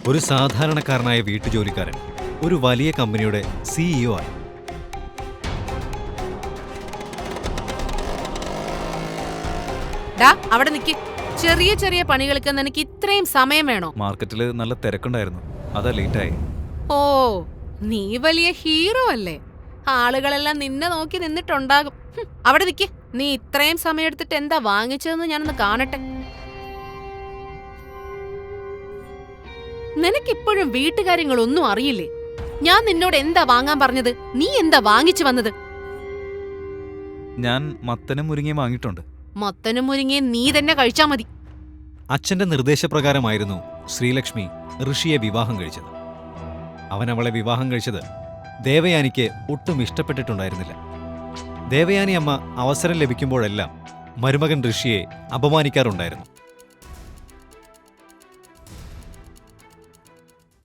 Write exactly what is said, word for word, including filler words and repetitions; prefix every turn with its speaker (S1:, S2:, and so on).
S1: ഒരു സാധാരണക്കാരനായ വീട്ടുജോലിക്കാരൻ ഒരു വലിയ കമ്പനിയുടെ സിഇഒ ആയി.
S2: ഡാ അവിടെ നിക്ക്. ചെറിയ ചെറിയ പണികൾക്ക് നിനക്ക് ഇത്രയും സമയം വേണോ?
S3: മാർക്കറ്റിൽ നല്ല തിരക്കുണ്ടായിരുന്നു, അതാ ലേറ്റായി.
S2: ഓ, നീ വലിയ ഹീറോ അല്ലേ? ആളുകളെല്ലാം നിന്നെ നോക്കി നിന്നിട്ടുണ്ടാകും. ഹും, അവിടെ നിക്ക്. നീ ഇത്രയും സമയം എടുത്തിട്ട് എന്താ വാങ്ങിച്ചതെന്ന് ഞാനൊന്ന് കാണട്ടെ. നിനക്കിപ്പോഴും വീട്ടുകാര്യങ്ങളൊന്നും അറിയില്ലേ? ഞാൻ നിന്നോട് എന്താ വാങ്ങാൻ പറഞ്ഞത്? നീ എന്താ വാങ്ങിച്ചു വന്നത്?
S3: ഞാൻ മത്തനും മുരിങ്ങയും വാങ്ങിയിട്ടുണ്ട്.
S2: മത്തനും മുരിങ്ങയും നീ തന്നെ കഴിച്ചാ മതി.
S1: അച്ഛന്റെ നിർദ്ദേശപ്രകാരമായിരുന്നു ശ്രീലക്ഷ്മി ഋഷിയെ വിവാഹം കഴിച്ചത്. അവൻ അവളെ വിവാഹം കഴിച്ചത് ദേവയാനിക്ക് ഒട്ടും ഇഷ്ടപ്പെട്ടിട്ടുണ്ടായിരുന്നില്ല. ദേവയാനി അമ്മ അവസരം ലഭിക്കുമ്പോഴെല്ലാം മരുമകൻ ഋഷിയെ അപമാനിക്കാറുണ്ടായിരുന്നു.